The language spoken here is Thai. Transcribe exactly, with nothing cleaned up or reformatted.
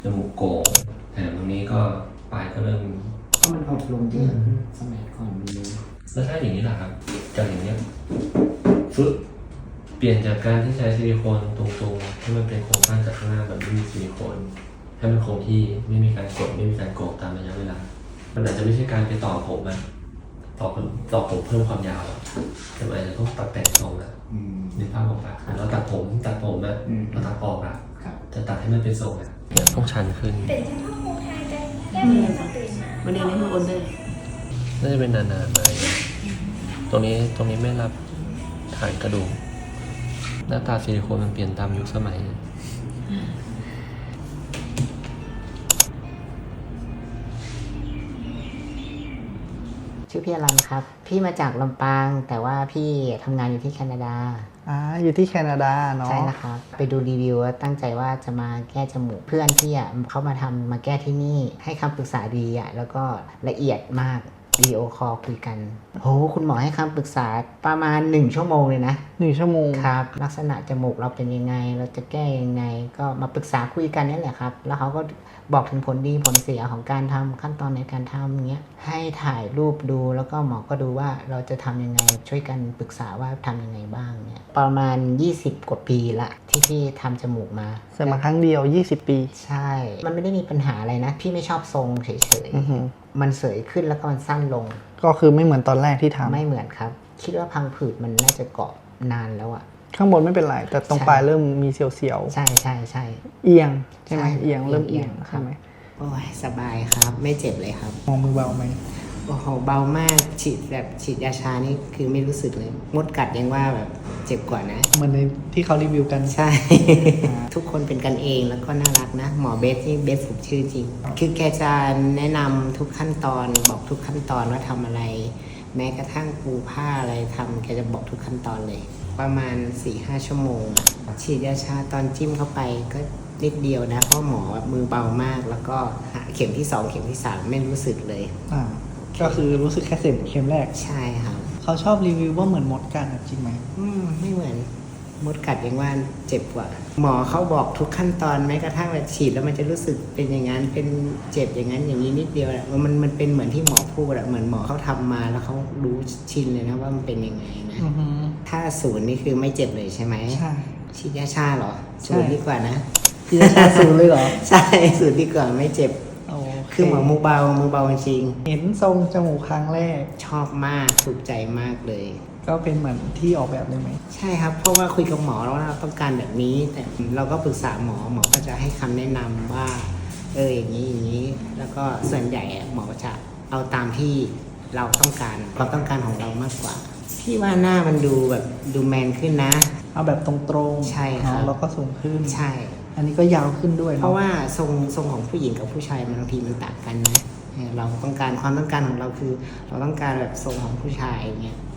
จมูกโก่งแถมตรงนี้ก็ปลายก็เริ่มก็มันออกลงเยอะสมัยก่อนมันเลยแล้วถ้าอย่างนี้ล่ะครับจากอย่างเนี้ยฟึบเปลี่ยนจากการที่ใช้ซิลิโคนตรงๆให้มันเป็นโครงสร้างจากข้างหน้าแบบไม่มีซิลิโคนให้มันคงที่ไม่มีการกดไม่มีการโกงตามระยะเวลามันอาจจะไม่ใช่การไปต่อผมอะต่อผมต่อผมเพิ่มความยาวอะแต่มันอาจจะต้องตัดแต่งทรงอะนึกภาพออกปะเราตัดผมตัดผมอะเราตัดออกอะจะตัดให้มันเป็นทรงอะต้องชันขึ้นตื่นเฉพาะโมงไทยได้แก้มจะตื่นมาวันนี้ไม่มาโอนเลยน่าจะเป็นนานๆมาตรงนี้ตรงนี้ไม่รับฐานกระดูกหน้าตาซิลิโคนมันเปลี่ยนตามยุคสมัยชื่อพี่อลันครับ พี่มาจากลำปางแต่ว่าพี่ทำงานอยู่ที่แคนาดาอ่าอยู่ที่แคนาดาเนาะใช่นะครับ ไปดูรีวิวแล้วตั้งใจว่าจะมาแก้จมูกเพื่อนพี่อ่ะเขามาทำมาแก้ที่นี่ให้คำปรึกษาดีอ่ะแล้วก็ละเอียดมากวิดีโอคอลคุยกันโหคุณหมอให้คำปรึกษาประมาณหนึ่งชั่วโมงเลยนะหนึ่งชั่วโมงครับลักษณะจมูกเราเป็นยังไง เราจะแก้ยังไง ก็มาปรึกษาคุยกันนี่แหละครับ แล้วเขาก็บอกถึงผลดีผลเสียของการทำขั้นตอนในการทำอย่างเงี้ยให้ถ่ายรูปดูแล้วก็หมอก็ดูว่าเราจะทำยังไงช่วยกันปรึกษาว่าทำยังไงบ้างเนี่ยประมาณยี่สิบกว่าปีละที่พี่ทำจมูกมาเสร็จมาครั้งเดียวยี่สิบปีใช่ มันไม่ได้มีปัญหาอะไรนะ พี่ไม่ชอบทรงเฉยอือหือๆมันเสยขึ้นแล้วก็มันสั้นลงก็คือไม่เหมือนตอนแรกที่ทำไม่เหมือนครับ คิดว่าพังผืดมันน่าจะเกาะนานแล้วอะข้างบนไม่เป็นไร แต่ตรงใช่ปลายเริ่มมีเสียวใช่ใช่ใช่ๆเอียงใช่ไหมใช่เอียงเริ่มเอีเอียยงงครับใช่ไหมโอ้ยสบายครับ ไม่เจ็บเลยครับมองมือเบาไหมโอ้โหเบามากฉีดแบบฉีดยาชานี่คือไม่รู้สึกเลย มดกัดยังว่าแบบเจ็บกว่านะเหมือนในที่เขารีวิวกันใช่ ทุกคนเป็นกันเองแล้วก็น่ารักนะ หมอเบสนี่เบสผมชื่อจริง คือแกจะแนะนำทุกขั้นตอนบอกทุกขั้นตอนว่าทำอะไร แม้กระทั่งปูผ้าอะไรทำแกจะบอกทุกขั้นตอนเลย ประมาณ สี่ห้า ชั่วโมงอะฉีดยาชาตอนจิ้มเข้าไปก็นิดเดียวนะ เพราะหมอมือเบามาก แล้วก็เข็มที่สองเข็มที่สามไม่รู้สึกเลยอ่า ก็คือรู้สึกแค่เข็มเข็มแรกใช่ครับเขาชอบรีวิวว่าเหมือนมดกัดอะจริงไหมอืมไม่เหมือนมดกัดยังว่าเจ็บกว่า หมอเขาบอกทุกขั้นตอนแม้กระทั่งแบบฉีดแล้วมันจะรู้สึกเป็นอย่างนั้นเป็นเจ็บอย่างนั้นอย่างนี้นิดเดียวแหละมันมันเป็นเหมือนที่หมอพูดอะเหมือนหมอเขาทำมาแล้วเขารู้ชินเลยนะว่ามันเป็นยังไงนะอือหือถ้าศูนย์นี่คือไม่เจ็บเลยใช่ไหมใช่ฉีดยาชาเหรอใช่ศูนย์ดีกว่านะพี่จะชาสูงเลยเหรอใช่ศูนย์ดีกว่าไม่เจ็บโอเคคือหมอมือเบามือเบาจริงเห็นทรงจมูกครั้งแรกชอบมากถูกใจมากเลยก็เป็นเหมือนที่ออกแบบเลยไหมใช่ครับ เพราะว่าคุยกับหมอแล้วว่าเราต้องการแบบนี้ แต่เราก็ปรึกษาหมอหมอก็จะให้คำแนะนำว่า เอออย่างนี้อย่างนี้ แล้วก็ส่วนใหญ่อะหมอจะเอาตามที่เราต้องการความต้องการของเรามากกว่า พี่ว่าหน้ามันดูแบบดูแมนขึ้นนะเอาแบบตรงๆใช่ครับเนาะแล้วก็สูงขึ้นใช่อันนี้ก็ยาวขึ้นด้วยเพเนาะราะว่าทรงทรงของผู้หญิงกับผู้ชายมันบางทีมันต่างกันนะเออเราต้องการความต้องการของเราคือ เราต้องการแบบทรงของผู้ชายอย่างเงี้ย